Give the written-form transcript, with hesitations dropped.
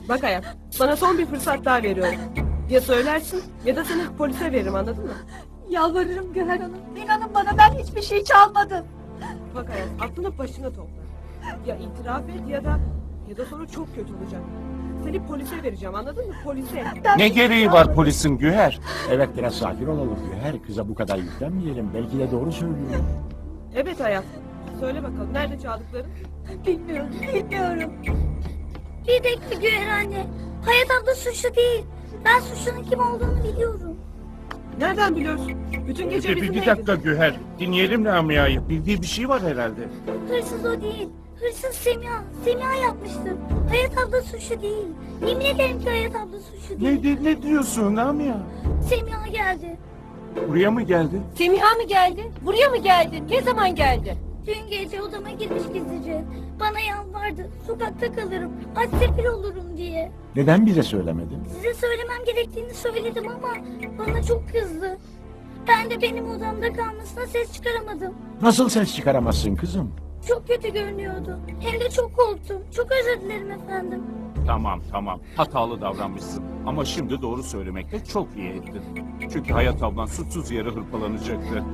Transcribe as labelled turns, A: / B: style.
A: Bak hayat, sana son bir fırsat daha veriyorum. Ya söylersin ya da seni polise veririm, anladın mı?
B: Yalvarırım Güher Hanım. İnanın bana, ben hiçbir şey çalmadım.
A: Bak hayat, aklını başına topla. Ya itiraf et ya da sonra çok kötü olacak. Seni polise vereceğim, anladın mı? Polise.
C: Ne gereği var polisin Güher? Evet, biraz sakin olalım Güher. Kıza bu kadar yüklenmeyelim. Belki de doğru söylüyor.
A: Evet hayat. Söyle bakalım, nerede çaldıkların?
B: Bilmiyorum.
D: Bir dakika Güher anne. Hayat abla suçlu değil. Ben suçlunun kim olduğunu biliyorum.
A: Nereden biliyorsun? Bütün gece
C: Bir
A: bizimleydin.
C: dakika Güher. Dinleyelim Lamia'yı. Bildiği bir şey var herhalde.
D: Hırsız o değil. Hırsız Semiha. Semiha yapmıştır. Hayat abla suçlu değil. Yemin ederim ki Hayat abla suçlu değil.
C: Ne diyorsun Lamia?
D: Semiha geldi.
C: Buraya mı geldi?
B: Semiha mı geldi? Buraya mı geldi? Ne zaman geldi?
D: Dün gece odama girmiş gizlice. Bana yalvardı. Sokakta kalırım. Aç sefil olurum diye.
C: Neden bize söylemedin?
D: Size söylemem gerektiğini söyledim ama bana çok kızdı. Ben de benim odamda kalmasına ses çıkaramadım.
C: Nasıl ses çıkaramazsın kızım?
D: Çok kötü görünüyordu. Hem de çok korktum. Çok özür dilerim efendim.
E: Tamam. Hatalı davranmışsın. Ama şimdi doğru söylemekle çok iyi ettin. Çünkü Hayat ablan suçsuz yere hırpalanacaktı.